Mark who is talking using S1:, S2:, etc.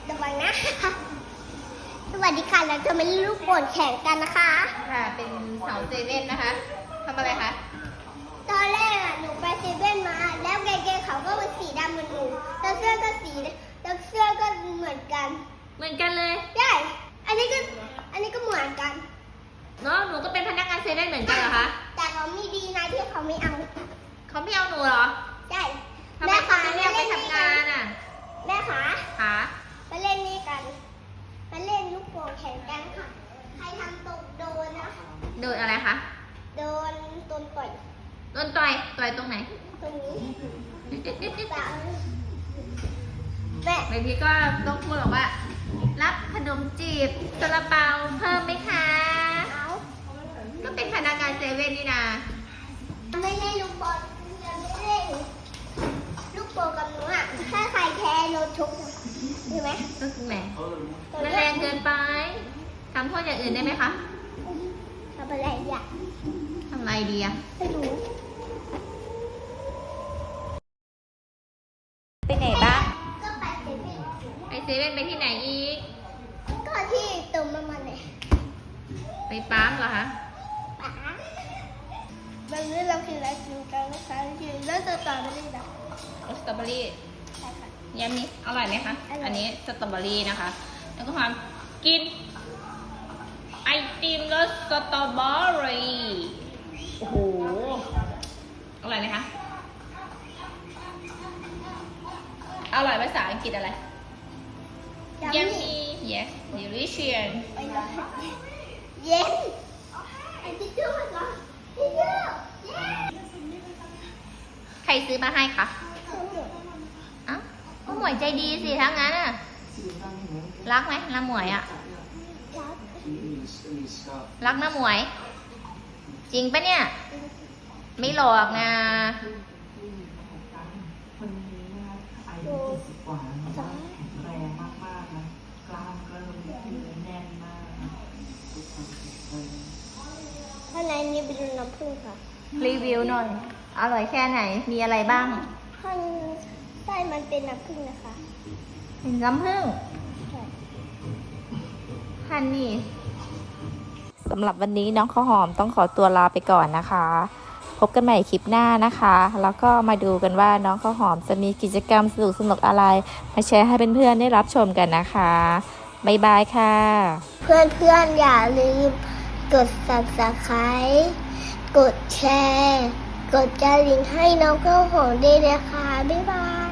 S1: ระวังนะสวัสดีค่ะเราจะมาเล่นลูกโป่งแข่งกันนะคะ
S2: ค่ะ เป็นสาวเซเว่นนะคะทำอะไรคะ
S1: ตอนแรกหนูไปเซเว่นมาแล้วเกเขาก็เป็นสีดำเหมือนหนูแล้วเสื้อก็สีแล้วเสื้อก็เหมือนกัน
S2: เหมือนกันเลย
S1: ใช่อันนี้ก็เหมือนกัน
S2: เนาะหนูก็เป็นพนักงานเซเว่นเหมือนกันเหรอคะ
S1: แต่เขามีดีนะที่เขาไม่เอา
S2: เขาไม่เอาหนูเหรอ
S1: ใช่
S2: ทำไมเขาไม่เรียกไปทำงานอ่ะ
S1: แม่ขา
S2: คะ
S1: มาเล่นนี่กันมาเล่นลูกโป่งแข่งกันค่ะใครทำตกโดนนะ
S2: โดนอะไรคะ
S1: โดนต้นต่อย
S2: โดนต่อยตรงไหน
S1: ตรงนี้แต่แม่
S2: บางทีก็ต้องพูดบอกว่า รับขนมจีบซาลาเปาเพิ่มไหมคะ
S1: เอา
S2: ก็เป็นพนักงานเซเว่นนี่นะ
S1: ไม่เล่นลูกบอลยังไม่เล่นลูกโป่งกับหนูอ่ะถ้าใครแพ้โดนชุบใช่ไหม
S2: ก็คือแหม
S1: ตัว
S2: มัน
S1: เนี้
S2: แร
S1: ย
S2: งเกินไปทำโทษอย่างอื่นได้ไหมคะ
S1: ทำอะไรอ่ะ
S2: ทำอะไรดีอะ
S1: ไม่รู้
S2: ไปไหนบ้าง
S1: ก็ไปเซเว่น
S2: ไปเซเว่นไปที่ไหนอีก
S1: ก็ที่เติมน้ำมันเลย
S2: ไปปั๊มเหรอคะ
S1: ป๋าวันนี้เรากินอะไรกินกันนะคะกินแล้วจะต่อไปเลยนะ
S2: รสสตรอเบอรี่
S1: ใช่ค่ะ
S2: ยำนี้อร่อยไหมคะ
S1: อร่อย
S2: อันนี้สตรอเบอรี่นะคะ แล้วก็ความกิน ไอติมรสสตรอเบอรี่ โอ้โห อร่อยไหมคะ อร่อยภาษาอังกฤษอะไร Yummy yes delicious
S1: ไปเลยเย็นไอ้ที่เจ้าเหรอที่เจ้าเย็น
S2: ใครซื้อมาให้คะ
S1: ทั้งหมด
S2: เอ้าก็หมวยใจดีสิทั้งนั้นอ่ะ รักไหมน้าหมวยอ่ะ
S1: รัก
S2: รักน้าหมวย จริงปะเนี่ย ไม่หลอกนะ
S1: ดู
S3: กว่าแล้วแข็งแรงมากๆนะกล้ามเกริ่มแน่นมากนะทุกคนแข็งแรง
S1: ข้างในนี้เป็นน้ำผึ้งค่ะ
S2: รีวิวหน่อย อร่อยแค่ไหน มีอะไรบ้าง
S1: ข้างใต้มันเป็นน้ำผึ้งนะคะ
S2: เป็นน้ำผึ้ง
S1: ใช่
S2: ฮันนี่
S4: สำหรับวันนี้น้องข้าวหอมต้องขอตัวลาไปก่อนนะคะ พบกันใหม่คลิปหน้านะคะ แล้วก็มาดูกันว่าน้องข้าวหอมจะมีกิจกรรมสนุกๆอะไร มาแชร์ให้เพื่อนๆได้รับชมกันนะคะ บ๊ายบายค่ะ
S1: เพื่อนๆอย่าลืมกด subscribe กดแชร์ กดกระดิ่งให้น้องข้าวหอมด้วยนะคะ บ๊ายบาย